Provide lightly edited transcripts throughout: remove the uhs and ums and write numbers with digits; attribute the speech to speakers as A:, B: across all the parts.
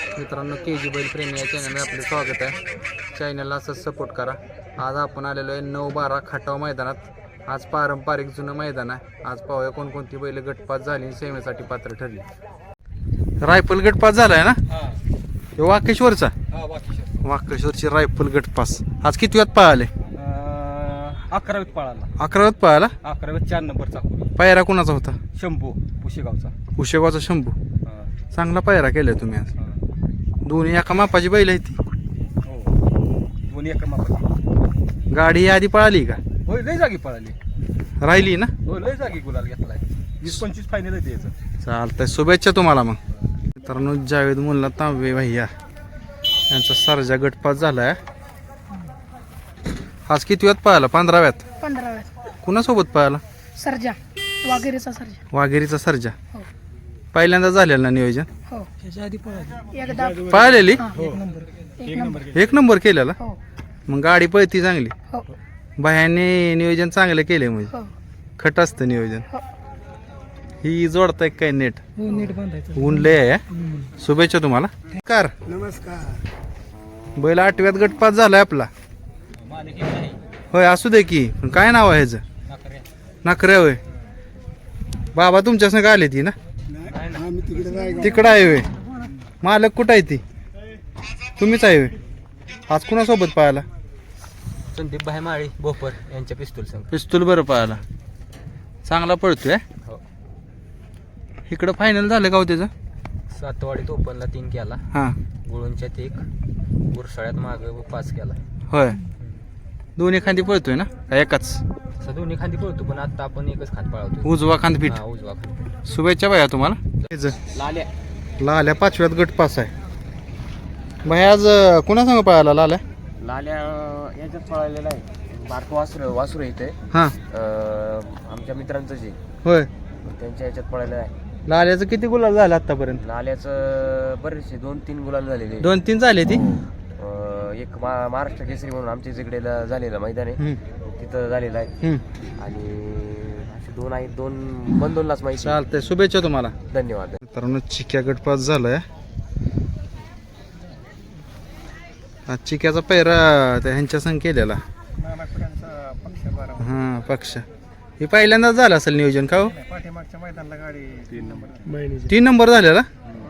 A: मित्रांनो KG बैल प्रेमी या चॅनलमध्ये आपले स्वागत आहे. चॅनलला असंच सपोर्ट करा. आज आपण आलेलो आहे 9-12 खटाव मैदानात. आज पारंपरिक जुनं मैदान आहे. आज पाहूया कोणकोणती बैल गटपास झाली सेवेसाठी पात्र ठरली. रायफल गटपास झालाय ना? वाकेश्वरचा वाकेश्वरची रायफल गटपास आज किती वेळात पळाले?
B: 11वीत पळाला.
A: 11व्यात पळाला.
B: 11वीत 4 नंबरचा
A: पायरा कोणाचा होता?
B: शंभू पुशेगावचा.
A: उशेगावचा शंभू. चांगला पायरा केलाय तुम्ही आज. दोन्ही एका मापाची बैल आहे ती.
B: हो दोन्ही एका मापाची.
A: गाडी आधी पळाली का?
B: होय लय जागी पळाली.
A: राहिली ना?
B: हो लय जागी गुलाल घेतलाय. 20-25 फायनल आहे त्याचं.
A: चालतंय, शुभेच्छा तुम्हाला. मग मित्रांनो जावेद मुल्ला तांबे भैया यांचा सर्जा गटपास झालाय. आज किती वेळात पळाला? 15व्यात.
C: 15व्यात.
A: कुणासोबत पळाला?
C: सर्जा वाघेरीचा सर्जा.
A: वाघेरीचा सर्जा.
C: हो
A: पहिल्यांदा झालेलं ना नियोजन?
C: हो त्याच्या आधी एकदा
A: पळालेली.
C: एक
A: 1 नंबर केलेला.
C: हो
A: मग गाडी पळती चांगली.
C: हो
A: बाह्याने नियोजन चांगलं केलंय म्हणजे.
C: हो
A: खट असतं नियोजन.
C: हो
A: ही जोडताय काय नेट?
C: नीट बांधायचं.
A: ऊन लय आहे. शुभेच्छा तुम्हाला. कार
C: नमस्कार.
A: बैल 8व्यात गटपास झालाय आपला. होय असू दे की. पण काय नाव आहे ह्याचं? नाकऱ्या. होय बाबा तुमच्या संग आले ती ना? तिकडं आहे होय. मालक कुठं आहे ती? तुम्हीच आहे होय. आज कुणासोबत पळाला?
B: संदीप भाई माळी बोपर यांच्या पिस्तूल संघ.
A: पिस्तूल बरं पळाला. चांगला पळतोय.
B: हो
A: इकडं फायनल झालं का हो त्याचं?
B: सातवाडीत ओपनला 3 केला.
A: हां
B: गुळूंच्यात 1, गुरसाळ्यात माग 5 केला.
A: होय. दोन्ही खांदी पळतोय ना का एकाच?
B: असं दोन्ही खांदी पळतो पण आता आपण एकच खांद पळवतो.
A: उजवा खांद पीठ.
B: हा उजवा खांद.
A: शुभेच्छा भैया तुम्हाला.
B: लाल्या
A: लाल्या 5व्यात गटपास आहे. भैया आज कुणा संग पळाला लाल्या?
B: लाल्या याच्यात पळालेला आहे. बारको वासरू इथे
A: हां
B: आमच्या मित्रांचं जे
A: होय.
B: त्यांच्या याच्यात पळालेलं आहे.
A: लाल्याचं किती गुलाल झालं आतापर्यंत?
B: लाल्याचं बरेचसे 2-3 गुलाल झालेले.
A: 2-3 झाले ती.
B: एक महाराष्ट्र केसरी म्हणून आमच्या इकडे झालेलं मैदान आहे तिथं झालेलं आहे. आणि असे 2 आहेत. 2 लाच माहिती.
A: चालतंय, शुभेच्छा तुम्हाला.
B: धन्यवाद.
A: मित्रांनो चिक्या गटपास झालाय. आज चिक्याचा पैरा त्या ह्यांच्या संग केलेला. हां पक्ष. हे पहिल्यांदाच झालं असेल नियोजन का हो?
B: पाठीमागच्या मैदानाला गाडी
A: 3 नंबर झालेला.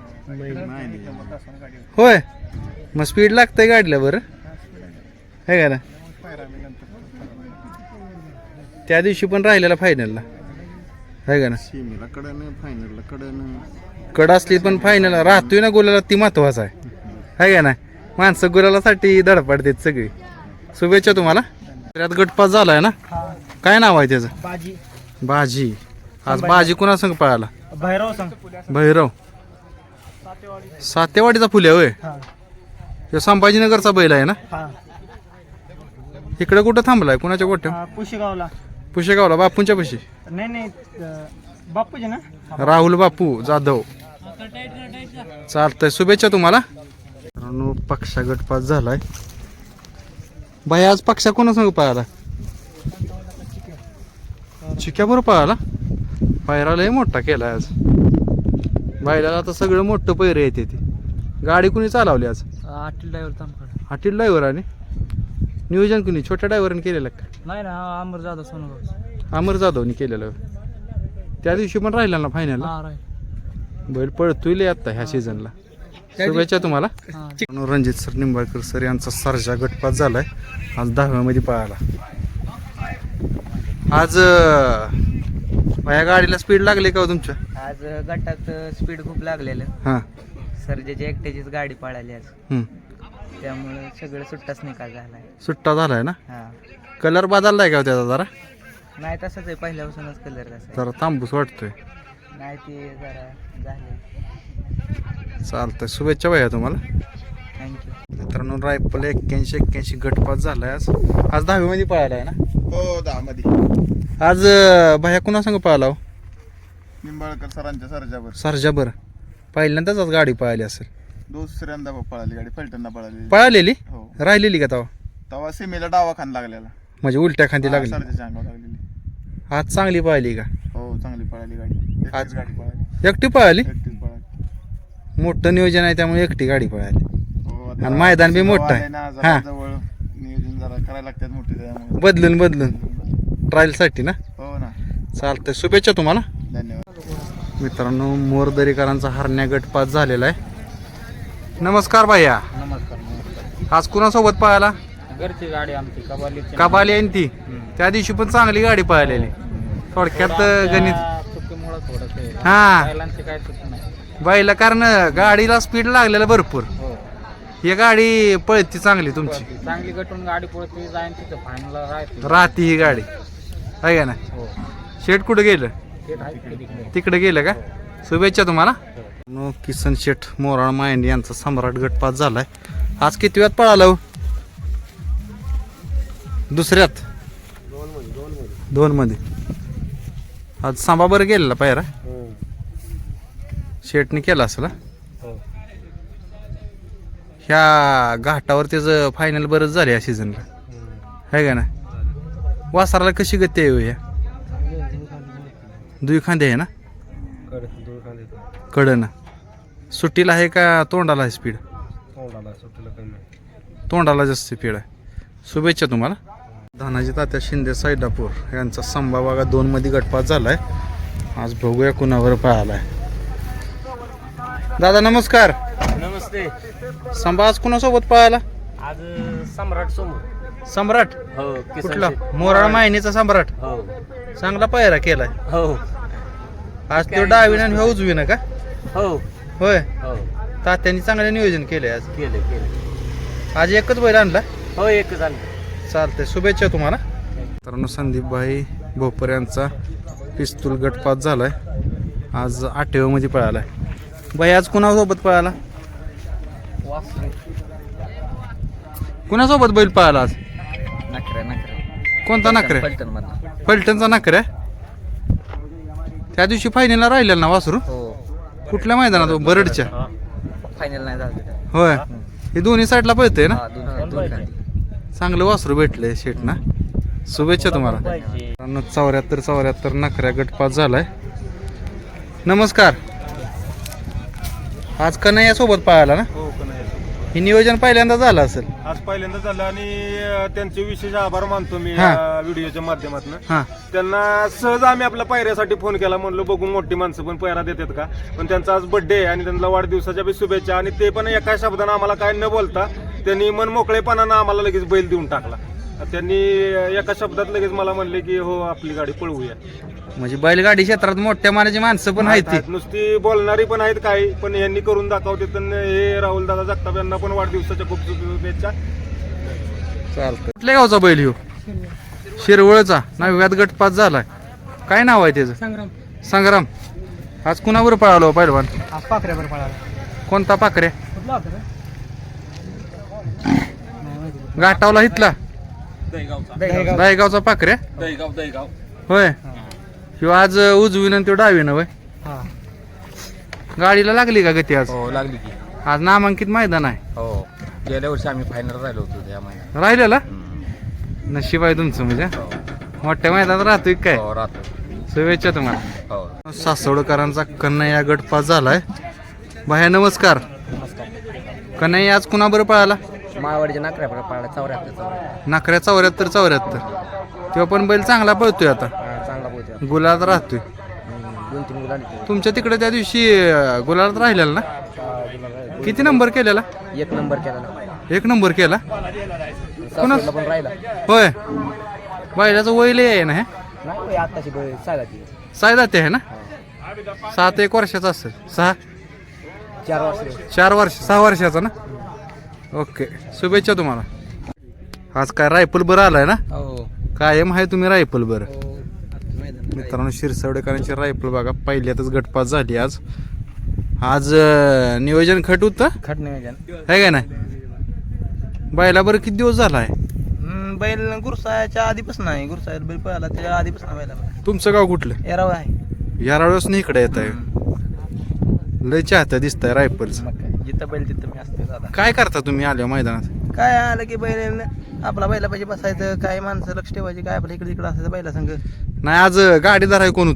A: होय. मग स्पीड लागतंय गाडीला बरं आहे का ना? त्या दिवशी पण राहिलेला फायनलला आहे का ना? कड असली पण फायनल राहतोय ना गुलाला, ती महत्वाचं आहे का ना? माणसं गुलालासाठी धडपडतात सगळी. शुभेच्छा तुम्हाला. त्यात गटपास झालाय ना? काय नाव आहे त्याचं?
C: बाजी.
A: बाजी. आज बाजी कुणा संग पळाला?
C: भैरव सांग.
A: भैरव. सातेवाडीचा फुले होय. तो संभाजीनगरचा बैल आहे ना? इकडे कुठं थांबलाय? कुणाच्या गोठ्या?
C: पुशेगावला.
A: पुशेगावला बापूंच्या पशी.
C: नाही बापूजी ना?
A: राहुल बापू जाधव. चालतंय, शुभेच्छा तुम्हाला. पक्षा गटपास झालाय. बाई आज पक्षा कोणा संग पळाला? चिक्या बरोबर पळाला. पायरा लय मोठा केलाय आज. बायला आता सगळं मोठं पैर येते ती. गाडी कुणी चालवली आज?
C: आटील ड्रायव्हर.
A: हॉटेल ड्रायव्हराने नियोजन कुणी छोट्या ड्रायव्हरने केलेलं का?
C: नाही ना, अमर जाधव सोनगाव.
A: अमर जाधवनी केलेलं. त्या दिवशी पण राहिला ना फायनल. बैल पळतोय लय आता ह्या सीझनला. शुभेच्छा तुम्हाला. रणजित सर निंबाळकर सर यांचा सर्जा गटपास झालाय. आज 10व्यामध्ये पळाला. आज या गाडीला स्पीड लागली का हो तुमच्या?
D: आज गटात स्पीड खूप लागलेलं.
A: हां
D: सर्जेची एकट्याचीच गाडी पळाली आज. त्यामुळे सगळं सुट्टाच निकाल झालाय.
A: सुट्टा झालाय ना?
D: हा
A: कलर बदललाय का हो त्याचा जरा?
D: नाही तसंच आहे, पहिल्यापासूनच कलर तसा आहे.
A: जरा तांबूस वाटतोय.
D: नाही ते जरा झाले.
A: चालतंय, शुभेच्छा भैया तुम्हाला.
D: थँक्यू.
A: मित्रांनो रायफल 81 गटपास झालाय. आज 10वीमध्ये पळाला आहे ना?
E: हो 10 मध्ये.
A: आज भैया कुणा संग पळाला हो?
E: निंबाळकर सरांच्या सर्जावर.
A: सर्जा बरं. पहिल्यांदाच आज गाडी पळाली असेल.
E: दुसऱ्यांदा पळाली गाडी. फलटणला पळाली.
A: पळालेली
E: हो.
A: राहिलेली का तेव्हा?
E: तेव्हा सीमेला डावा खान लागलेला.
A: म्हणजे उलट्या खांदी लागली.
E: सर्जाच्या अंगावर लागलेली.
A: आज चांगली पळाली का?
E: हो चांगली पळाली गाडी.
A: आज
E: गाडी पळाली.
A: एकटी पळाली.
E: एकटीच पळाली.
A: मोठं नियोजन आहे त्यामुळे एकटी गाडी पळाली.
E: हो, आता
A: आणि मैदान बी मोठं आहे.
E: आलंय ना, जरा
A: हा.
E: जवळ नियोजन जरा करायला लागतात मोठे त्यामुळे.
A: बदलून ट्रायलसाठी ना.
E: हो ना.
A: चालतंय, शुभेच्छा तुम्हाला.
E: धन्यवाद.
A: मित्रांनो, मोरदरीकरांचा हरण्या गटपात झालेला आहे. नमस्कार भैया.
C: नमस्कार.
A: आज कुणासोबत पळाला?
C: घरची गाडी आमची
A: कबाली आहे ती. त्या दिवशी पण चांगली गाडी पळालेली. थोडक्यात गणित
C: चुकीमुळे थोडंसं
A: हा
C: बैलांची काय चुकी नाही.
A: बाईला, कारण गाडीला स्पीड लागलेला भरपूर.
C: हो,
A: ही गाडी पळती चांगली तुमची.
C: चांगली गटून गाडी पळते जाईन तिथं फायनलला राहते.
A: राहती ही गाडी आहे का ना.
C: हो,
A: शेट कुठे गेलं?
C: ते राहते तिकडे.
A: तिकडे गेलं का. शुभेच्छा तुम्हाला. किसन शेठ मोराळ मायंडी यांचा सम्राट गटपात झालाय. आज किती वेळात पळाला हो? दुसऱ्यात. दोन मध्ये. आज सांबाबर गेलेला पायरा. शेटने केला असेल हा? ह्या घाटावर त्याचं फायनल बरंच झालं या सीझनला आहे का ना. वासराला कशी गती आहे हो या? दुई खांदे आहे ना. कडं ना. सुट्टीला आहे का तोंडाला आहे स्पीड? तोंडाला जास्त स्पीड आहे. शुभेच्छा तुम्हाला. धनाजी तात्या शिंदे सैदापूर यांचा संभा बघा 2 मध्ये गटपात झालाय. आज बघूया कुणावर पळालाय. दादा नमस्कार.
C: नमस्ते.
A: संभा आज कुणासोबत पळाला?
C: आज सम्राट समोर.
A: सम्राट.
C: हो,
A: कुठला? मोराळ मायनीचा सम्राट.
C: हो
A: चांगला पायरा केलाय.
C: हो
A: आज तो डावीन आणि ह्यो उजवीन का?
C: हो
A: होय.
C: हो,
A: तात्यांनी चांगलं नियोजन केलंय आज.
C: केलं.
A: आज एकच बैल आणला.
C: हो, एक झालं.
A: चालतंय, शुभेच्छा तुम्हाला. मित्रांनो, संदीपभाई भोपर यांचा पिस्तूल गटपात झालाय. आज 8व्या मध्ये पळालाय. बाई आज कुणासोबत पळाला? कुणासोबत बैल पळाला आज? कोणता नखरे? फलटणचा नखरे. त्या दिवशी फायनलला राहिलेला ना वासरू. कुठल्या मैदानात? बरडच्या.
D: फायनल नाही झालं.
A: होय. हे दोन्ही साईडला पळतंय ना.
D: दोन
A: चांगलं वासरू भेटलंय शेट ना. शुभेच्छा तुम्हाला. 74 नखऱ्या गटपात झालाय. नमस्कार. आज कन्हैया सोबत पळाला ना. हे नियोजन पहिल्यांदा झालं असेल.
F: आज पहिल्यांदा झालं आणि त्यांचे विशेष आभार मानतो मी
A: हा.
F: या व्हिडिओच्या माध्यमातून.
A: हा.
F: त्यांना सहज आम्ही आपल्या पायऱ्यासाठी फोन केला, म्हणलो बघू मोठी माणसं पण पायरा देतात का. पण त्यांचा आज बर्थडे आहे आणि त्यांना वाढदिवसाच्या बी शुभेच्छा. आणि ते पण एका शब्दानं आम्हाला काय न बोलता त्यांनी मन मोकळेपणानं आम्हाला लगेच बैल देऊन टाकला. त्यांनी एका शब्दात लगेच मला म्हणले की हो आपली गाडी पळवूया.
A: म्हणजे बैलगाडी क्षेत्रात मोठ्या मानाची माणसं पण आहेत ती.
F: नुसती बोलणारी पण आहेत काही, पण यांनी करून दाखवते. तर हे राहुल दादा जगताप यांना पण वाढदिवसाच्या खूप शुभेच्छा.
A: चालतं. कुठल्या गावचा बैल ह्यो? शिरवळचा. 9व्यात गटपात झालाय. काय नाव आहे त्याचं? संग्राम. आज कुणावर पळालो पहिलवान?
C: आज पाखऱ्यावर पळाला.
A: कोणता पाखरे?
C: कुठला होता रे?
A: घाटावला हितला दहीगावचा पाखरे. होय. ह्यो आज उजवीन आणि तो डावीन होय.
C: हा.
A: गाडीला लागली का गती आज?
B: हो लागली की.
A: आज नामांकित मैदान आहे.
B: हो, गेल्या वर्षी आम्ही फायनल राहिलो होतो त्या महिन्यात.
A: राहिलेला नशीब आहे तुमचं. म्हणजे मोठ्या मैदानात राहतोय काय.
B: हो राहतो.
A: शुभेच्छा तुम्हाला.
B: हो.
A: सासवडकरांचा कन्हैया गटपास झालाय. भाया नमस्कार. कन्हैया आज कुणाबरोबर पळाला?
D: माळवाडीच्या नाकऱ्यावर पळाला. 74
A: नखऱ्या 74. तेव्हा पण बैल चांगला पळतोय आता.
D: चांगला पोहोचला.
A: गुलाबात राहतोय.
D: 2-3 गुलाल.
A: तुमच्या तिकडे त्या दिवशी गुलाबात राहिलेला ना. किती नंबर केलेला?
D: 1 नंबर केला.
A: 1 नंबर केला.
D: सासवडला पण राहिला.
A: होय. बैलाचं वय लय आहे ना. हे
D: नाही आताची सागाची.
A: सायदाते आहे ना. 7-1 वर्षाचा असेल.
D: 4 वर्ष.
A: 4 वर्ष 6 वर्षाचा ना. ओके, शुभेच्छा तुम्हाला. आज काय रायफल बरं आलाय ना.
D: हो.
A: कायम आहे तुम्ही रायफल बरं. मित्रांनो, शिरसवडेकरांची रायफल बघा पहिल्यातच गटपात झाली आज. आज नियोजन खट होतं
D: खट नियोजन
A: आहे का नाही. बैला बरं किती दिवस झाला आहे?
D: बैल गुरसाच्या आधीपासून आहे. गुरसाळ्यात बैल पळाला त्याच्या आधीपासून बैला.
A: तुमचं गाव कुठलं?
D: एराव आहे.
A: या वेळेस नाही इकडे येत आहे. लय चाहतं दिसतंय रायफलचं.
D: मग काय, जिथं बैल तिथं मी असते दादा.
A: काय करता तुम्ही आल्या मैदानात?
D: काय आलं की बैल आपला बैला पाहिजे बसायचं. काय माणसं लक्ष ठेवायची. काय आपल्या इकडे असायचं बैला संग.
A: नाही आज गाडीदार आहे कोण होतो पुढं?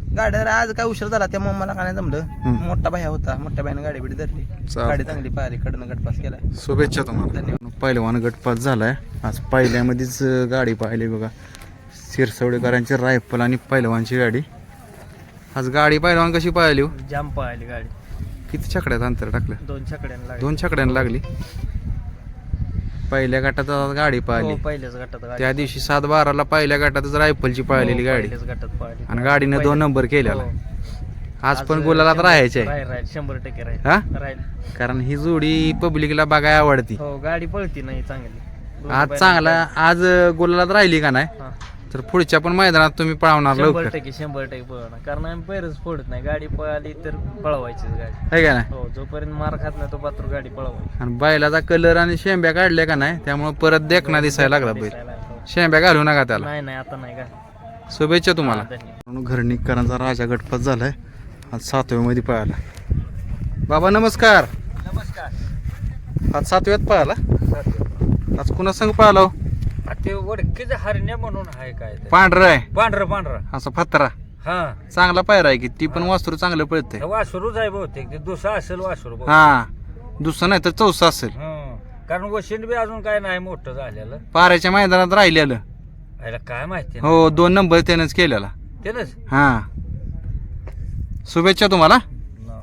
D: गाड्या आज काय उशीर झाला त्यामुळे मला काय नाही जमलं. मोठा भाया होता, मोठ्या भाईने गाडी बिडी धरली, गाडी चांगली पाहिली, कडनं गटपास केलाय.
A: शुभेच्छा तुम्हाला. पहिलवान गटपास झालाय आज. पहिल्यामध्येच गाडी पाहिली बघा, शिरसवडेकरांची रायफल आणि पहिलवानची गाडी. आज गाडी पहिलवान कशी पाहिली हो?
C: जाम पळाली गाडी.
A: किती छकड्यात अंतर टाकलं?
C: 2 छकड्यांना
A: 2 छकड्यांना लागली. पहिल्या गटात आज गाडी पाहिली.
C: पहिल्याच गटात गाडी.
A: त्या दिवशी 7-12ला पहिल्या गटातच रायफलची पाहिलेली गाडी
C: पहिल्याच गटात पळाली.
A: आणि गाडीनं 2 नंबर केलेला. आज पण गुलालात राहायचे
C: राहील 100% राहील.
A: हा,
C: राहील.
A: कारण ही जोडी पब्लिकला बघायला आवडती.
C: हो गाडी पळती नाही चांगली.
A: आज चांगला आज गुलालात राहिली का नाही
C: हा.
A: तर पुढच्या पण मैदानात तुम्ही पळवणार लवकर,
C: 100% पळणार. कारण आम्ही पैरच फोडत नाही. गाडी पळाली तर पळवायचीच गाडी.
A: आहे का नाही?
C: हो जोपर्यंत मार खात नाही तो पात्र गाडी पळवायची.
A: आणि बैलाचा कलर आणि शेंब्या काढल्या का नाही त्यामुळे परत देखना दिसायला लागला बैल.
C: हो.
A: शेंब्या घालू नका त्याला.
C: नाही आता नाही का.
A: शुभेच्छा तुम्हाला.
C: धन्यवाद.
A: घरनिकरांचा राजा गटपास झालाय आज 7व्या मध्ये पळाला. बाबा नमस्कार.
C: नमस्कार.
A: आज 7व्यात पळाला. आज कुणा संग पळाला हो?
C: ते वडकीचं हरण्या म्हणून आहे काय ते.
A: पांढरा आहे
C: पांढरा
A: असा फत्तरा.
C: हा
A: चांगला पायरा आहे की ती पण वासरू चांगलं पळतंय.
C: वासरूच आहे बहुतेक. ते दुसरा असेल वासरू बहुतेक.
A: हा दुसरं नाही तर चौसा असेल.
C: हं. कारण वशिंड बी अजून काय नाही मोठं झालेलं.
A: पाऱ्याच्या मैदानात राहिलेलं.
C: याला काय माहिती
A: हो 2 नंबर त्यानंच केलेला.
C: त्यानंच.
A: हा शुभेच्छा तुम्हाला.